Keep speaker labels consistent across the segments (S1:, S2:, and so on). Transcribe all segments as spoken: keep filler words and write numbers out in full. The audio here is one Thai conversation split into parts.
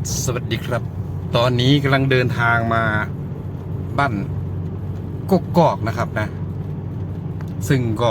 S1: สวัสดีครับตอนนี้กำลังเดินทางมาบ้านกกอกนะครับนะซึ่งก็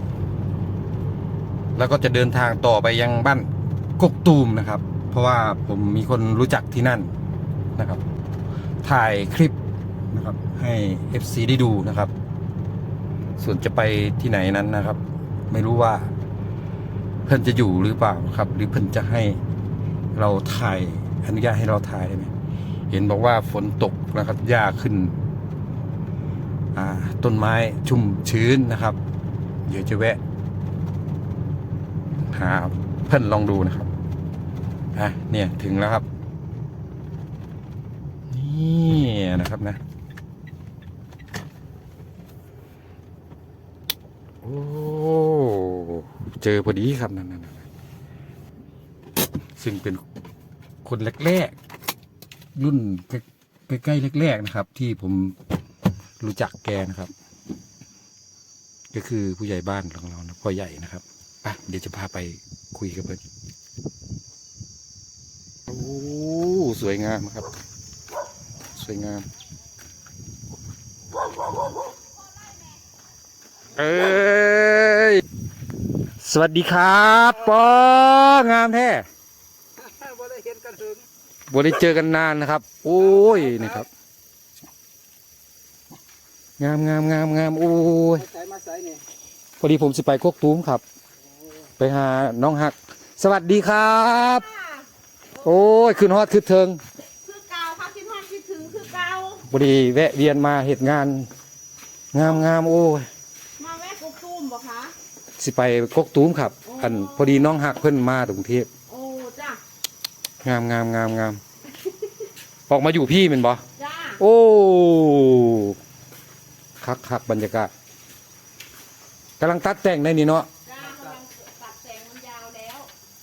S1: แล้วก็จะเดินทางต่อไปยังบ้านกกตูมนะครับเพราะว่าผมมีคนรู้จักที่นั่นนะครับถ่ายคลิปนะครับให้ เอฟ ซี ได้ดูนะครับส่วนจะไปที่ไหนนั้นนะครับไม่รู้ว่าเพิ่นจะอยู่หรือเปล่าครับหรือเพิ่นจะให้เราถ่ายอนุญาตให้เราถ่ายได้ไหมเห็นบอกว่าฝนตกนะครับหญ้าขึ้นต้นไม้ชุ่มชื้นนะครับเดี๋ยวจะแวะหาเพิ่นลองดูนะครับอ่ะเนี่ยถึงแล้วครับนี่นะครับนะโอ้เจอพอดีครับนั่นๆซึ่งเป็นคนแรกๆรุ่นใกล้ๆแรกๆนะครับที่ผมรู้จักแกนะครับก็คือผู้ใหญ่บ้านของเรานะพ่อใหญ่นะครับอ่ะเดี๋ยวจะพาไปคุยกับเพื่อนโอ้สวยงามครับสวยงามเอ้ยสวัสดีครับปองามแท้บ่ได้เห็นกันถึงบ่ได้เจอกันนานนะครับโอ้ยนี่ครับงามงามงามงามโอ้ยพอดีผมสิไปโคกตูมครับไปหาน้องฮักสวัสดีครับโอ้ยขึ้นฮอดขึ้นเทิง
S2: คือเก่าค่ะคิดฮอดคิดถึงคือเก่า
S1: พอดีแวะเวียนมาเหตุงานงามงามโอ้ย
S2: มาแวะกกตูมบ่คะ
S1: สิไปโคกตูมครับอันพอดีน้องฮักเพิ่นมาถึงกรุงเทพ
S2: โอ้จ้ะ
S1: งามงามงามงามออกมาอยู่พี่เป็นบ่
S2: จ้า
S1: โอ้คักคักบรรยากาศกำลังตัดแต่งในนี่เนาะ
S2: จ้ากำลังตัดแต่งมันยาวแล้ว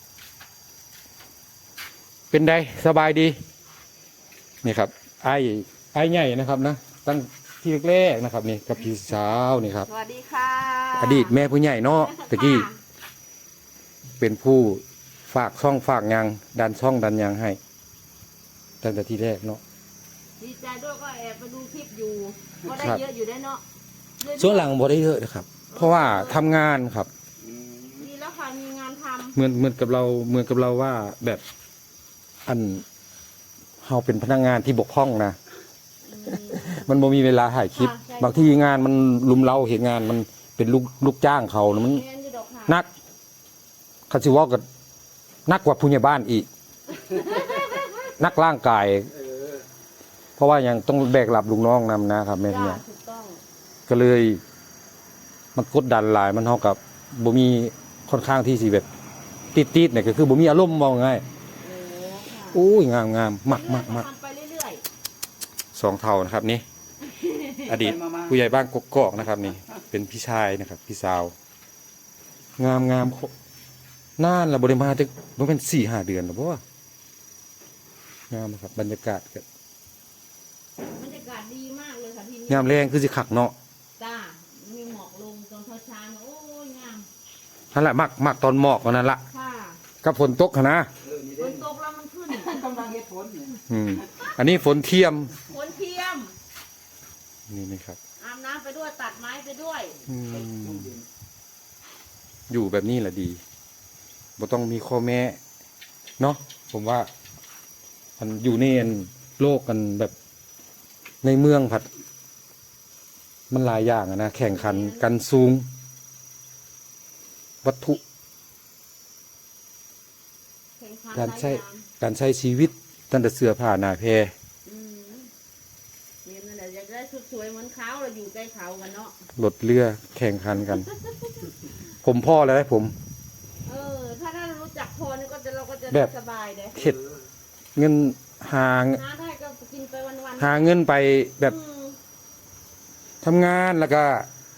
S1: เป็นไงสบายดีนี่ครับไอ้ไอ้ใหญ่นะครับนะตั้งที่แรกๆนะครับนี่กับพี่สาวนี่ครับ
S2: สวัสดีค่ะ
S1: อดีตแม่ผู้ใหญ่เนาะตะกี้เป็นผู้ฝากช่องฝากยางดันช่องดันยางให้ตั้งแต่ที่แรกเนาะ
S2: ดีใจด้วยก็แอบไปดูคลิปอยู่ก็ได้เยอะอยู่ได้เนาะ
S1: ช่วงหลังบ่ได้เยอะนะครับเพราะว่าทำงานครับ
S2: ดีแล้วค่ะมีงานทำ
S1: เหมือนเหมือนกับเราเหมือนกับเราว่าแบบอันเราเป็นพนักงานที่บกพร่องนะมันบ่มีเวลาถ่ายคลิปบางทีงานมันลุมเล้าเห็นงานมันเป็นลูกลูกจ้างเขานะมันนักคาสิวอกับนักกว่าผู้ใหญ่บ้านอีกนักร่างกายเพราะว่ายังต้องแบกรับลูกน้องนำนะครับแม่เนี่ยก็เลยมันกดดันหลายมันเท่ากับบ่มีค่อนข้างที่สิแบบติดๆเนี่ยก็คือบ่มีอารมณ์มองง่ายโอ้ยงามงามมักมักมักสองเท่านะครับนี่อดีตผู้ใหญ่บ้านกกอกนะครับนี่เป็นพี่ชายนะครับพี่สาวงามงามน่านเราบริมาจะมันเป็นสี่ห้าเดือนหรือเปล่างามครับบรรยากาศกัน
S2: บรรยากาศดีมากเลยค่ะที่นี่
S1: งามแรงคือสิขักเนาะ
S2: จ้ามีหมอกลงตอนเช้าๆโอ้ยงาม
S1: นั่นแหละมักมักตอนหมอกนั่นแหละกับฝนตกนะ
S2: ฝนตกแล้วมันขึ้นกำลังเฮ็ดฝน
S1: อืมอันนี้ฝนเทียม
S2: ฝนเทียม
S1: นี่นี่ครับ
S2: อาบน้ำไปด้วยตัดไม้ไปด้วย
S1: อยู่แบบนี้แหละดีบ่ต้องมีข้อแม้เนาะผมว่ามันอยู่ในโลกกันแบบในเมืองผัดมันหลายอย่างนะแข่งขันกันสูงวัตถุการใช้การใช้ชีวิตตั้งแต่เสื้อผ้าหน้าแพร
S2: เนี่ยนั่นแหละอยากได้ชุดสวยเหมือนเขาเราอยู่ใกล้เขากันเนาะ
S1: รถเรือแข่งขันกัน ผมพ่อแล้วผม
S2: เออถ้าถ้ารู้จักพอนี่ก็จะเราก็จะสบายเลย
S1: เข็ดเงินหา
S2: หาได้ก็กินไปวัน
S1: ๆหาเงินไปแบบทำงานแล้วก็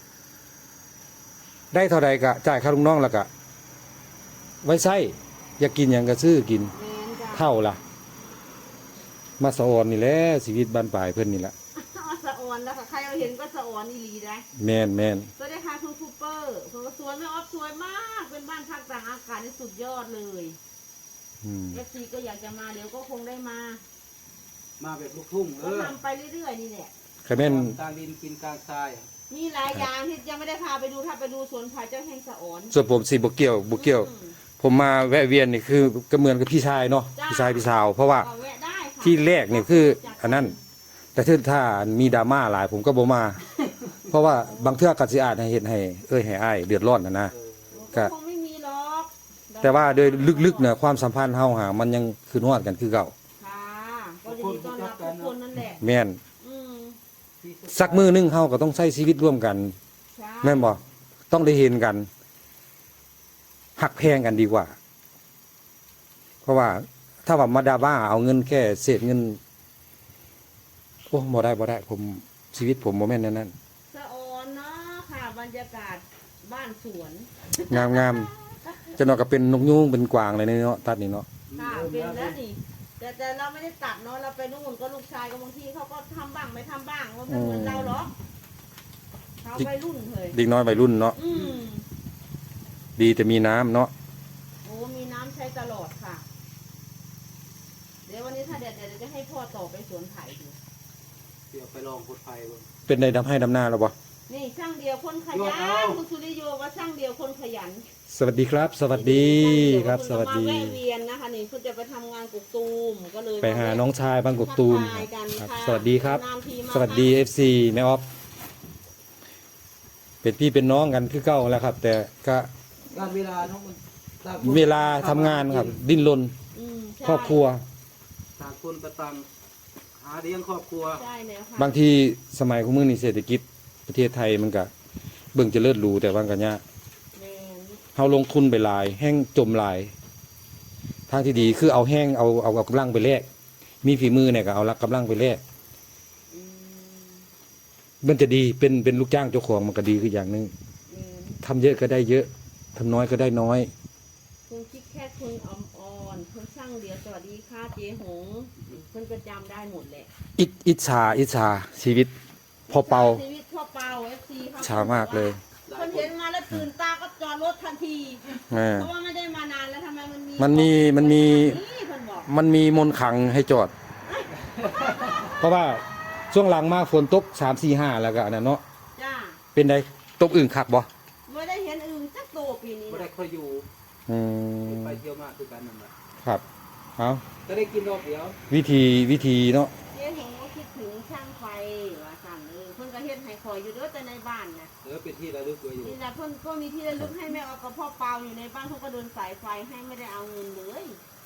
S1: ได้เท่าใดก็จ่ายค่าลูกน้องแล้วก็ไว้ใช้อยากกินอย่างก็ซื้อกินเท่าล่ะมาสะออนนี่แหละชีวิตบ้านปลายเพื่อนนี่แหละ
S2: สะออนแล้วค่ะใครเอาเห็นก็สะออนอีหลีได้
S1: แมนแมน
S2: สวัสดีค่ะคุณคูเปอร์ผมก็สวยไม่ออฟสวยมากเป็นบ้านพักต่างอากาศที่สุดยอดเลย
S1: อืม
S2: เอฟซีก็อยากจะมาเดี๋ยวก็คงได้มา
S3: มาแบบลูกทุ่งเอ
S2: ก็
S3: อ
S2: ทำไปเรื่อยๆนี่แหละ
S1: คาแม่น
S3: กลางดินกินกลางทราย
S2: มีหลายอย่างที่ยังไม่ได้พาไปดูถ้าไปดูสวนผาเจ้าแห่งสะออน
S1: ส่วนผมสิบ่เกี่ยวบ่เกี่ยว
S2: อืม
S1: ผมมาแวะเวียนนี่คือก็เหมือนกับพี่ชายเนาะ
S2: จ้า
S1: พี่ชายพี่สาว เพราะว่า
S2: ก็แวะได้ค่ะ
S1: ที่แรกนี่คืออันนั้น แต่ถ้าถ้ามีดราม่าหลายผมก็บ่มา เพราะว่าบางเทื่อก็สิอาจให้เฮ็ดให้เอ้ยให้อ้ายเดือดร้อนนะนะ
S3: เออ
S1: ก็
S2: คงไม่มีหรอก
S1: แต่ว่าโดยลึกๆเนี่ยความสัมพันธ์เฮาหามันยังคือฮอดกันคือเก่า
S2: ค่ะก็ยินดีต้อนรับทุกคนนั่นแหละ
S1: แม่น
S2: อืม
S1: สักมื้อหนึงเฮาก็ต้องใช้ชีวิตร่วมกัน
S2: ใช่
S1: แม่นบ่ต้องได้เห็นกันหักแพงกันดีกว่า เพราะว่าถ้าว่ามาดาบ้าเอาเงินแค่เศษเงินโอ้บ่ได้บ่ได้ ผมชีวิตผมบ่แม่นนั่นนั้น
S2: สะออนเนาะค่ะบรรยากาศบ้านสวน
S1: งามงามๆจะนอนก็เป็นนกยูงเป็นกวางเลยเนาะตัดนี่เนาะ
S2: ค่ะเป็นแล้วนี่แต่แต่เราไม่ได้ตัดเนาะเราไปนู่นก็ลูกชายก็บางทีเขาก็ทำบ้างไม่ทำบ้างว่าไม่เหมือนเราหรอกเขาไปรุ่นเลย
S1: เด็กน้อยวัยรุ่นเนาะ
S2: อืม
S1: ดีแต่มีน้ำเนาะ
S2: โอ้มีน้ำใช้ตลอดค่ะ เดี๋ยววันนี้ถ้าเด็ดเดี๋ยวจะให้พ่อต่อไปสวนไผ่ดู
S3: เดี๋ยวไปลองขุดไฟเบิ่ง
S1: เป็นได้ดำให้ดำหน้าแล้วบ่
S2: นี่ช่างเดียวคนข
S3: ยอ
S2: ยั
S3: ดเอา
S2: นคุณสุริโยว่าช่างเดียวคนขยัน
S1: สวัสดีครับ สวัสดีครับ สวัสดี
S2: มาแวะเวียนนะคะนี่คุณจะไปทำงานกุกตูมก็เลย
S1: ไปหาน้องชายบางกกตูม
S2: ทัทายกัน
S1: ครับ
S2: ค่ะ
S1: สวัสดีครับ
S2: นานทีมา
S1: สวัสดี เอฟ ซี แม่ออฟเป็นพี่เป็นน้องกันคือเก่าแล้วครับ แต่ก็
S3: การเวลาเนาะมันต่างคน
S1: เวลาทำงานครับ ดิ้นรน
S2: อืมใช่
S1: ครอบครัว
S3: ต่างคนก็ต่างหาเลี้ยงครอบครัว
S2: ใช่แล้วค่ะ
S1: บางทีสมัยของมือนี่เศรษฐกิจประเทศไทยมันก็เบิ่งเจะเลิศรูแต่ว่ากันยาก
S2: แม่น
S1: เฮาลงทุนไปหลาย แห้งจมหลาย ทางที่ดีคือเอาแห้งเอาเอาเอากำลังไปแลกมีฝีมือเนี่ยก็เอาละกำลังไปแลก
S2: อืม
S1: มันจะดีเป็นเป็นลูกจ้างเจ้าของมันก็ดีคืออย่างหนึง
S2: แม่น
S1: ทำเยอะก็ได้เยอะทำน้อยก็ได้น้อย
S2: คุณคิดแค่คุณอมอ่อนคุณช่างเดียวสวัสดีค่ะเจ๊หงเพิ่นก็จำได้หมดแหละ
S1: อิจอิจฉาอิจฉาชีวิตพอเปา
S2: ชีวิตพ่อเปาเอฟซีเขา
S1: ฉามากเลย
S2: คนเห็นมาแล้วตื่นตาก็จอดรถทันที
S1: แม่
S2: เพราะว่าไม่ได้มานานแล้วทำไมมันมี
S1: มันมีมันมี
S2: นี่เพิ่นบอก
S1: มันมีมนต์ขลังให้จอด เพราะว่าช่วงหลังมากฝนตกสามสี่ห้าแล้วก็อันนั้นเนาะ
S2: จ้า
S1: เป็นไดตกอื่นคักบ่
S2: ไม่ได้เห็นอึ่งจักโตปีนี้
S3: ไม่ได้
S2: นะ
S3: ค่อยอยู่
S1: อืม
S3: ไปเที่ยวมากคือกันนั่นแหละ
S1: ครับเอา
S3: ก็ได้กินรอบเดียว
S1: วิธีวิธีเนาะ
S2: เจ๊หงก็คิดถึงช่างไฟว่าสั่นเออเพิ่นก็เฮ็ดให้คอยอยู่เด้อแต่ในบ้านนะ
S3: เออเป็นที่ระลึกไว้อยู่
S2: นี่แหละเพิ่นก็มีที่ระลึกให้แม่เอากับพ่อเปาอยู่ในบ้านเขาก็เดินสายไฟให้ไม่ได้เอาเงินเลย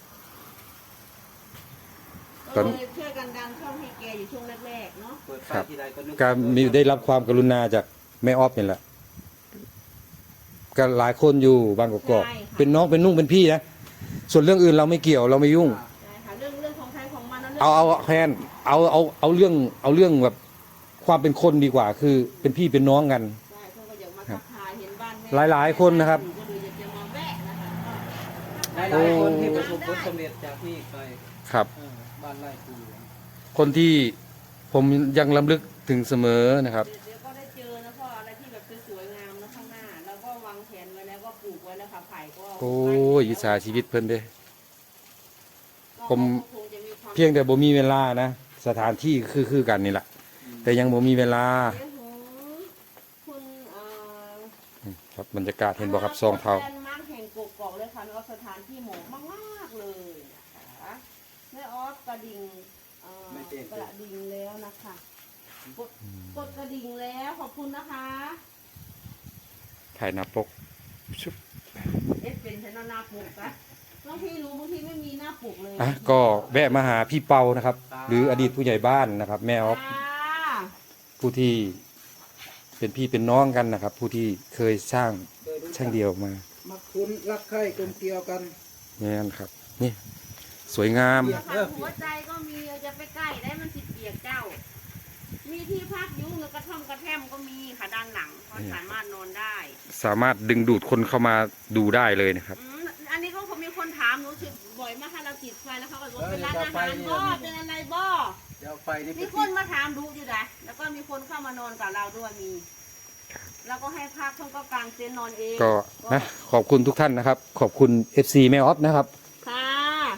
S2: ก็เลยช่วยกันดันช่องให้แกอยู่ช่วงแรกๆเนาะ
S3: เปิดไฟที่ใดก็นึก
S1: ก็มีได้รับความกรุณาจากแม่ออฟนี่แหละก็หลายคนอยู่บางกอกๆเป็นน้องเป็นนุ่งเป็นพี่นะส่วนเรื่องอื่นเราไม่เกี่ยวเราไม่ยุ่ง
S2: ใช่ค่ะเรื่องเรื่องของใครของมันนะ
S1: เอาเอาแพนเอาเอาเอาเรื่องเอาเรื่องแบบความเป็นคนดีกว่า คือเป็นพี่เป็นน้องกัน
S2: ใช่เพิ่นก็อยากมาทักทายเห็นบ้านแม่
S1: หลายๆคนนะครับ
S2: ก็เลยอยากจะมาแวะนะคะ
S3: หลายๆคนที่ประสบผลสำเร็จจากนี่ไป
S1: ครับ
S3: เออบ้านไร่ปู
S1: คนที่ผมยังลำลึกถึงเสมอนะครับ
S2: เดี๋ยวก็ได้เจอนะพ่ออะไรที่แบบสวยๆงามนะข้างหน้า แล้วก็วางแผนไว้แล้วก็ปลูกไว้แล้วค่ะไผ่ก็
S1: โอ้ยอิจฉาชีวิตเพิ่นเด้ ผม
S2: ก็คงจะมีความ
S1: เพียงแต่บ่มีเวลานะสถานที่คือคือกันนี่แหละแต่ยังบ่มีเวลา
S2: เดี๋ยวหูคุณเอ่อ
S1: ครับบรรยากาศเห็นบ่ครับซองเผา
S2: แลนด์มาร์คแห่งกกอกเลยค่ะแม่ออฟสถานที่เหมาะมากๆเลยนะคะแม่ออฟกระดิ่งเอ่อกระดิ่งแล้วนะคะกดกดกระดิ่งแล้วขอบคุณนะคะ
S1: ถ่ายหน้าปกชุบ
S2: เอสเป็นฉันเอาหน้าปกนะบางทีรู้บางทีไม่มีหน้าปกเลย
S1: อ่ะก็แวะมาหาพี่เปานะครับ หรืออดีตผู้ใหญ่บ้านนะครับ แม่ออฟ
S2: ค่ะ
S1: ผู้ที่เป็นพี่เป็นน้องกันนะครับ ผู้ที่เคยสร้าง
S3: เคยรู้จั
S1: ช่าก งเดียวมา
S3: มาคุ้นรักใคร่กลมเกลียวกัน
S1: นี่นครับ นี่ สวยงาม
S3: เปียก
S2: ค่ะหัวใจก็มีจะไปใกล้ได้มันสิเปียกเจ้า มีที่พักอยุ่งแล้วกระท่อมกระแท่มก็มีค่ะด้านหลังก็สามารถนอนได้
S1: สามารถดึงดูดคนเข้ามาดูได้เลยนะครับ
S2: อืมอันนี้ก็คงมีคนถามหนูสิบ่อยมากค่ะเราติดไฟแล้วเขาก็บอกเป็นร้านอาหารบ่เป็นอะไรบ่
S3: เดี๋ยวไฟนี่
S2: มีคนมาถามดูอยู่นะแล้วก็มีคนเข้ามานอนกับเราด้วยมี แล้วก็ให้พักเขาก็กางเต็นท์นอนเอง
S1: ก็นะขอบคุณทุกท่านนะครับ ขอบคุณ เอฟ ซี แม่ออฟนะครับ
S2: ค่ะ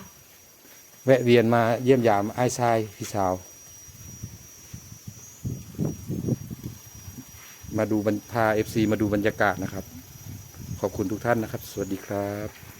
S1: แวะเวียนมาเยี่ยมยามไอ้ชายพี่สาว มาดูบรรพาเอฟซีมาดูบรรยากาศนะครับ ขอบคุณทุกท่านนะครับ สวัสดีครับ